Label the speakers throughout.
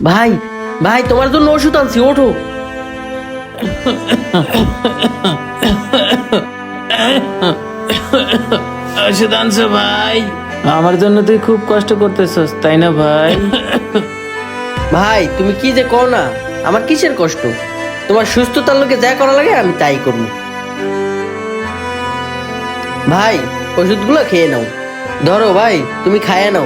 Speaker 1: ভাই ভাই তোমার জন্য ওষুধ আনছি, ওঠো।
Speaker 2: ওষুধ আনছো ভাই?
Speaker 3: আমার জন্য তুই খুব কষ্ট করতেছস তাই না ভাই?
Speaker 1: ভাই তুমি কি যে কও না, আমার কিসের কষ্ট? তোমার সুস্থতার লোকে যা করা লাগে আমি তাই করবো। ভাই ওষুধগুলো খেয়ে নাও, ধরো ভাই তুমি খাইয়ে নাও।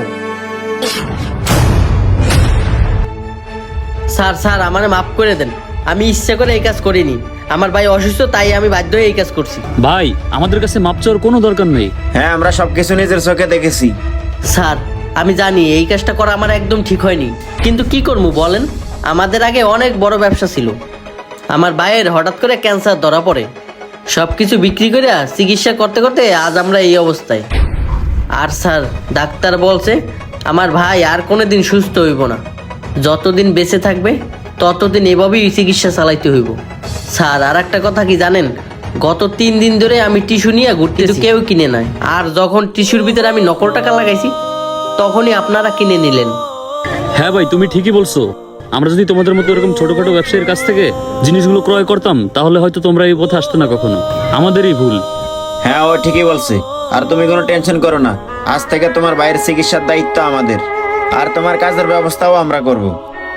Speaker 1: স্যার স্যার আমারে মাফ করে দেন, আমি ইচ্ছা করে এই কাজ করিনি। আমার ভাই অসুস্থ তাই আমি বাধ্য হয়ে এই কাজ করছি।
Speaker 4: ভাই আমাদের কাছে মাপ চাওয়ার কোনো দরকার নেই।
Speaker 5: হ্যাঁ, আমরা সবকিছু নিজের চোখে দেখেছি।
Speaker 1: স্যার আমি জানি এই কাজটা করা আমার একদম ঠিক হয়নি, কিন্তু কি করবো বলেন? আমাদের আগে অনেক বড় ব্যবসা ছিল। আমার ভাইয়ের হঠাৎ করে ক্যান্সার ধরা পড়ে, সব কিছু বিক্রি করে চিকিৎসা করতে করতে আজ আমরা এই অবস্থায়। আর স্যার ডাক্তার বলছে আমার ভাই আর কোনোদিন সুস্থ হইব না, যতদিন বেঁচে থাকবে ততদিন এভাবেই চিকিৎসা চালাইতে হইব। স্যার আর একটা কথা কি জানেন, গত 3 দিন ধরে আমি টিস্যু নিয়ে ঘুরতেছি, কেউ কিনে নাই। আর যখন টিস্যুর ভিতরে আমি নকল টাকা লাগাইছি তখনই আপনারা কিনে নিলেন।
Speaker 4: হ্যাঁ ভাই, তুমি ঠিকই বলছো। আমরা যদি তোমাদের মতো এরকম ছোটখাটো ব্যবসায়ীর কাছ থেকে জিনিসগুলো ক্রয় করতাম তাহলে হয়তো তোমরা এই পথে আসতে না কখনো। আমাদেরই ভুল।
Speaker 5: হ্যাঁ, ও ঠিকই বলছে। আর তুমি কোনো টেনশন করো না, আজ থেকে তোমার ভাইয়ের চিকিৎসার দায়িত্ব আমাদের, আর তোমার কাজের ব্যবস্থাও আমরা করব।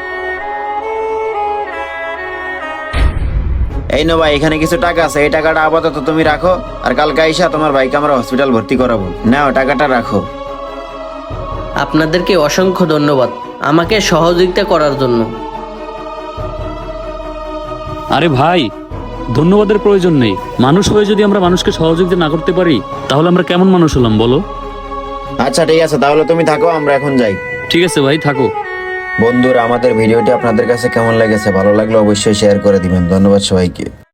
Speaker 5: এই নো ভাই, এখানে কিছু টাকা আছে, এই টাকাটা আপাতত তুমি রাখো, আর কালকে আইসা তোমার ভাইকে আমরা হসপিটাল ভর্তি করাবো। নাও টাকাটা রাখো।
Speaker 1: আপনাদেরকে অসংখ্য ধন্যবাদ আমাকে সহযোগিতা করার জন্য।
Speaker 4: আরে ভাই, ধন্যবাদের প্রয়োজন নেই। মানুষ হয়ে যদি আমরা মানুষকে সহযোগিতা না করতে পারি তাহলে আমরা কেমন মানুষ হলাম বলো?
Speaker 5: আচ্ছা ঠিক আছে, তাহলে তুমি থাকো, আমরা এখন যাই।
Speaker 4: ঠিক আছে ভাই, থাকো।
Speaker 5: বন্ধুরা, আমাদের ভিডিওটি আপনাদের কাছে কেমন লেগেছে? ভালো লাগলে অবশ্যই শেয়ার করে দিবেন। ধন্যবাদ সবাইকে।